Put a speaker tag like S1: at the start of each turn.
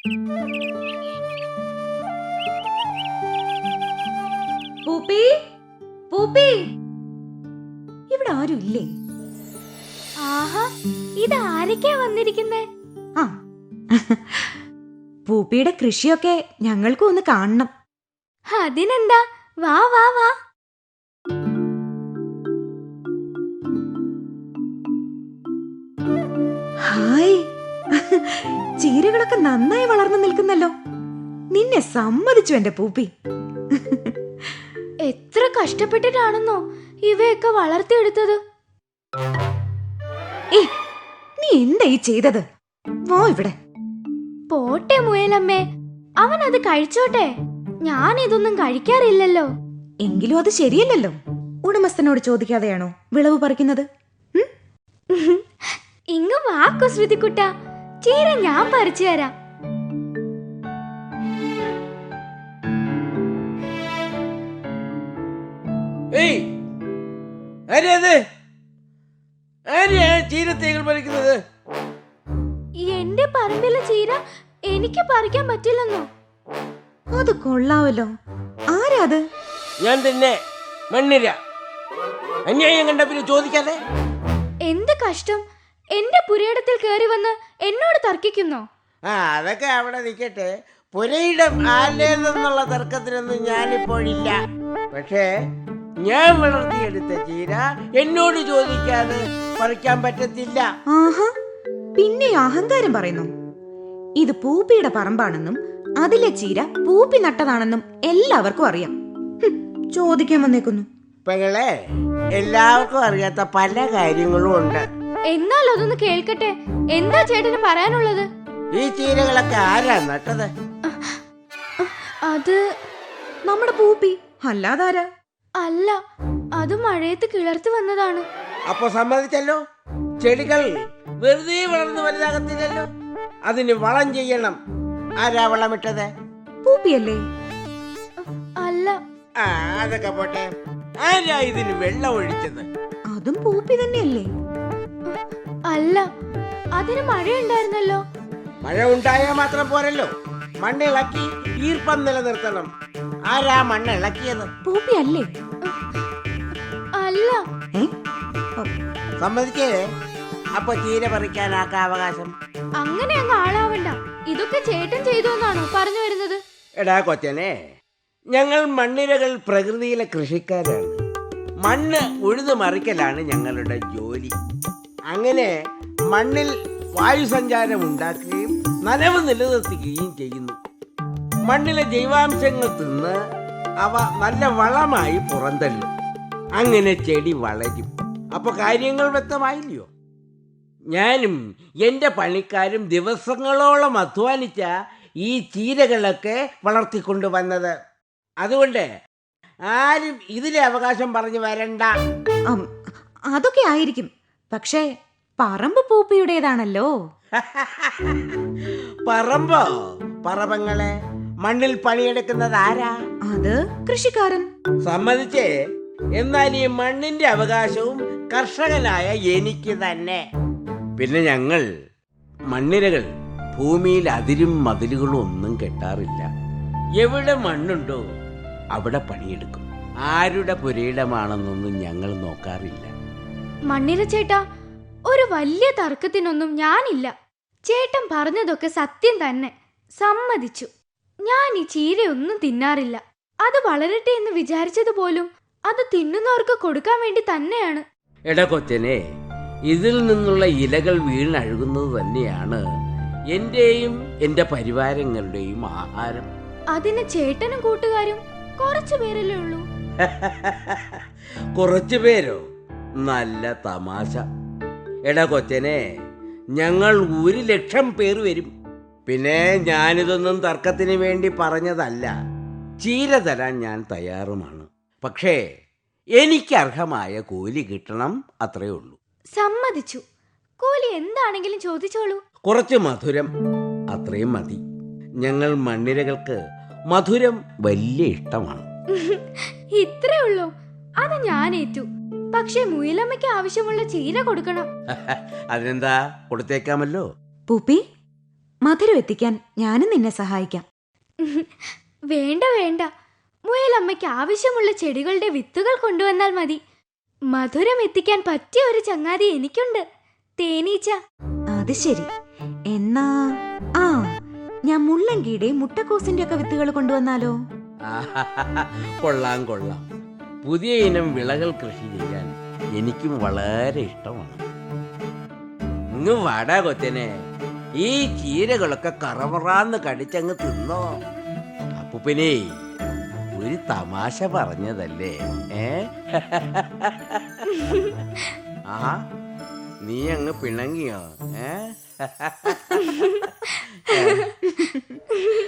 S1: പൂപ്പി, പൂപ്പി, ഇവിടെ ആരും ഇല്ലേ?
S2: ആഹാ, ഇത് ആരൊക്കെയാ വന്നിരിക്കുന്നേ?
S1: ആ, പൂപ്പിയുടെ കൃഷിയൊക്കെ ഞങ്ങൾക്കും ഒന്ന് കാണണം.
S2: അതിനെന്താ, വാ വാ വാ.
S1: ഹായ്, ചീരകളൊക്കെ നന്നായി വളർന്നു നിൽക്കുന്നല്ലോ. നിന്നെ സമ്മതിച്ചു എന്റെ പൂപ്പി.
S2: എത്ര കഷ്ടപ്പെട്ടിട്ടാണെന്നോ ഇവയൊക്കെ വളർത്തിയെടുത്തത്.
S1: ഏ, നീ എന്താ ഈ ചെയ്തത്? വാ ഇവിടെ.
S2: പോട്ടെ മുയലമ്മേ, അവൻ അത് കഴിച്ചോട്ടെ. ഞാൻ ഇതൊന്നും കഴിക്കാറില്ലല്ലോ.
S1: എങ്കിലും അത് ശരിയല്ലല്ലോ. ഉടമസ്ഥനോട് ചോദിക്കാതെയാണോ വിളവ് പറിക്കുന്നത്?
S2: ഇങ്ങ് വാക്കു ശ്രുതിക്കുട്ട, ചീര ഞാൻ പറിച്ചു തരാം.
S3: ചീരത്തേകൾ പറിക്കുന്നത്
S2: എന്റെ പറമ്പിലെ ചീര എനിക്ക് പറിക്കാൻ പറ്റില്ലെന്നോ?
S1: അത് കൊള്ളാവല്ലോ. ആരാ അത്?
S3: ഞാൻ തന്നെ, മണ്ണിര. അന്യായം കണ്ട പിന്നെ ചോദിക്കാതെ.
S2: എന്ത് കഷ്ടം, എന്റെ പുരയിടത്തിൽ കയറി വന്ന് എന്നോട് തർക്കിക്കുന്നോ?
S3: അതൊക്കെ അവിടെ നിൽക്കട്ടെ. പുരയിടം ആരുടേതെന്നുള്ള തർക്കത്തിനൊന്നും ഞാനിപ്പോഴില്ല. പക്ഷേ ഞാൻ വളർത്തിയെടുത്ത ചീര എന്നോട് ചോദിക്കാതെ പറിക്കാൻ പറ്റത്തില്ല.
S1: ആഹാ, പിന്നെ അഹങ്കാരം പറയുന്നു. ഇത് പൂപ്പിയുടെ പറമ്പാണെന്നും അതിലെ ചീര പൂപ്പി നട്ടതാണെന്നും എല്ലാവർക്കും അറിയാം. ചോദിക്കാൻ വന്നേക്കുന്നു.
S3: പെങ്ങളെ, എല്ലാവർക്കും അറിയാത്ത പല കാര്യങ്ങളും ഉണ്ട്.
S2: എന്നാൽ അതൊന്ന് കേൾക്കട്ടെ. എന്താ ചേട്ടന് പറയാനുള്ളത്?
S3: ഈ ചീരകളൊക്കെ ആരാ നട്ടത്?
S2: അത്
S1: നമ്മുടെ പൂപ്പി, അല്ലാതാരാ?
S2: അല്ല, അത് മഴയത്ത് കിളർത്ത് വന്നതാണ്.
S3: അപ്പൊ സമ്മതിച്ചല്ലോ, ചെടികൾ വെറുതെ വളർന്നു വലുതാകത്തില്ലല്ലോ. അതിന് വളം ചെയ്യണം. ആരാ വളമിട്ടത്?
S1: പൂപ്പിയല്ലേ?
S2: അല്ല.
S3: അതൊക്കെ പോട്ടെ, ആരാ ഇതിന് വെള്ളം ഒഴിച്ചത്?
S1: അതും പൂപ്പി തന്നെയല്ലേ?
S2: അല്ല, അതിന് മഴയുണ്ടായിരുന്നല്ലോ.
S3: മഴ ഉണ്ടായാൽ മാത്രം പോരല്ലോ, മണ്ണിളക്കി ഈർപ്പം നിലനിർത്തണം. ആരാ മണ്ണ് ഇളക്കിയത്?
S1: പൂപ്പി അല്ലേ?
S2: അല്ല.
S3: സമ്മതിക്കേ? അപ്പൊ ചീര പറിക്കാനാക്കാ അവകാശം?
S2: അങ്ങനെ അങ്ങ് ആളാവണ്ട. ഇതൊക്കെ ചേട്ടൻ ചെയ്തു എന്നാണോ പറഞ്ഞു വരുന്നത്?
S3: എടാ കൊച്ചനെ, ഞങ്ങൾ മണ്ണിരകൾ പ്രകൃതിയിലെ കൃഷിക്കാരാണ്. മണ്ണ് ഉഴുതു മറിക്കലാണ് ഞങ്ങളുടെ ജോലി. അങ്ങനെ മണ്ണിൽ വായുസഞ്ചാരം ഉണ്ടാക്കുകയും നനവ് നിലനിർത്തുകയും ചെയ്യുന്നു. മണ്ണിലെ ജൈവാംശങ്ങൾ തിന്ന് അവ നല്ല വളമായി പുറന്തള്ളും. അങ്ങനെ ചെടി വളരും. അപ്പൊ കാര്യങ്ങൾ വ്യക്തമായില്ലയോ? ഞാനും എൻ്റെ പണിക്കാരും ദിവസങ്ങളോളം അധ്വാനിച്ച ഈ ചീരകളൊക്കെ വളർത്തിക്കൊണ്ടുവന്നത്. അതുകൊണ്ട് ആരും ഇതിലെ അവകാശം പറഞ്ഞു വരണ്ട.
S1: അതൊക്കെ ആയിരിക്കും, പക്ഷേ പറമ്പ് പൂപ്പിയുടേതാണല്ലോ.
S3: പറമ്പോ? പറമ്പങ്ങളെ മണ്ണിൽ പണിയെടുക്കുന്നത് ആരാ?
S1: അത് കൃഷിക്കാരൻ.
S3: സമ്മതിച്ചേ. എന്നാൽ ഈ മണ്ണിന്റെ അവകാശവും കർഷകനായ എനിക്ക് തന്നെ. പിന്നെ ഞങ്ങൾ മണ്ണിരകൾ ഭൂമിയിൽ അതിരും മതിലുകളും ഒന്നും കെട്ടാറില്ല. എവിടെ മണ്ണുണ്ടോ അവിടെ പണിയെടുക്കും. ആരുടെ പുരയിടമാണെന്നൊന്നും ഞങ്ങൾ നോക്കാറില്ല.
S2: മണ്ണിര ചേട്ടാ, ഒരു വലിയ തർക്കത്തിനൊന്നും ഞാനില്ല. ചേട്ടൻ പറഞ്ഞതൊക്കെ സത്യം തന്നെ, സമ്മതിച്ചു. ഞാൻ ഈ ചീരയൊന്നും തിന്നാറില്ല. അത് വളരട്ടെ എന്ന് വിചാരിച്ചത് പോലും അത് തിന്നുന്നവർക്ക് കൊടുക്കാൻ വേണ്ടി തന്നെയാണ്.
S3: എടാ കൊച്ചനെ, ഇതിൽ നിന്നുള്ള ഇലകൾ വീണഴുകുന്നത് തന്നെയാണ് എന്റെയും എന്റെ പരിവാരങ്ങളുടെയും ആഹാരം.
S2: അതിന് ചേട്ടനും കൂട്ടുകാരും കുറച്ചു പേരല്ലേ ഉള്ളൂ.
S3: കുറച്ചു പേരോ? നല്ല തമാശ. എടാ കൊച്ചനെ, ഞങ്ങൾ 1,00,000 പേർ വരും. പിന്നെ ഞാനിതൊന്നും തർക്കത്തിന് വേണ്ടി പറഞ്ഞതല്ല. ചീര തരാൻ ഞാൻ തയ്യാറുമാണ്. പക്ഷേ എനിക്ക് അർഹമായ കൂലി കിട്ടണം, അത്രേ ഉള്ളൂ.
S2: സമ്മതിച്ചു. കൂലി എന്താണെങ്കിലും ചോദിച്ചോളൂ.
S3: കുറച്ച് മധുരം, അത്രയും മതി. ഞങ്ങൾ മണ്ണിരകൾക്ക് മധുരം വലിയ ഇഷ്ടമാണ്.
S2: ഇത്രേ ഉള്ളൂ? അത് ഞാൻ ഏറ്റു. പക്ഷെ മുയലമ്മയ്ക്ക് ആവശ്യമുള്ള ചീര കൊടുക്കണം.
S3: അതിനെന്താ, കൊടുത്തേക്കാമല്ലോ.
S1: പൂപ്പി, മധുരം എത്തിക്കാൻ ഞാനും നിന്നെ സഹായിക്കാം.
S2: വേണ്ട വേണ്ട, മുയലമ്മയ്ക്ക് ആവശ്യമുള്ള ചെടികളുടെ വിത്തുകൾ കൊണ്ടുവന്നാൽ മതി. മധുരം എത്തിക്കാൻ പറ്റിയ ഒരു ചങ്ങാതി എനിക്കുണ്ട്, തേനീച്ച.
S1: അത് ശരി. എന്നാ ആ ഞാൻ മുള്ളങ്കിയുടെ മുട്ടക്കോസിന്റെ ഒക്കെ വിത്തുകൾ കൊണ്ടുവന്നാലോ?
S3: കൊള്ളാം കൊള്ളാം. പുതിയ ഇനം വിളകൾ കൃഷി ചെയ്യാൻ എനിക്കും വളരെ ഇഷ്ടമാണ്. ഇങ്ങ് വാടാ കൊച്ചനെ, ഈ ചീരകളൊക്കെ കറമറാന്ന് കടിച്ചങ്ങ് തിന്നോ. അപ്പൂപ്പനേ, ഒരു തമാശ പറഞ്ഞതല്ലേ? ആ നീ അങ്ങ് പിണങ്ങിയോ?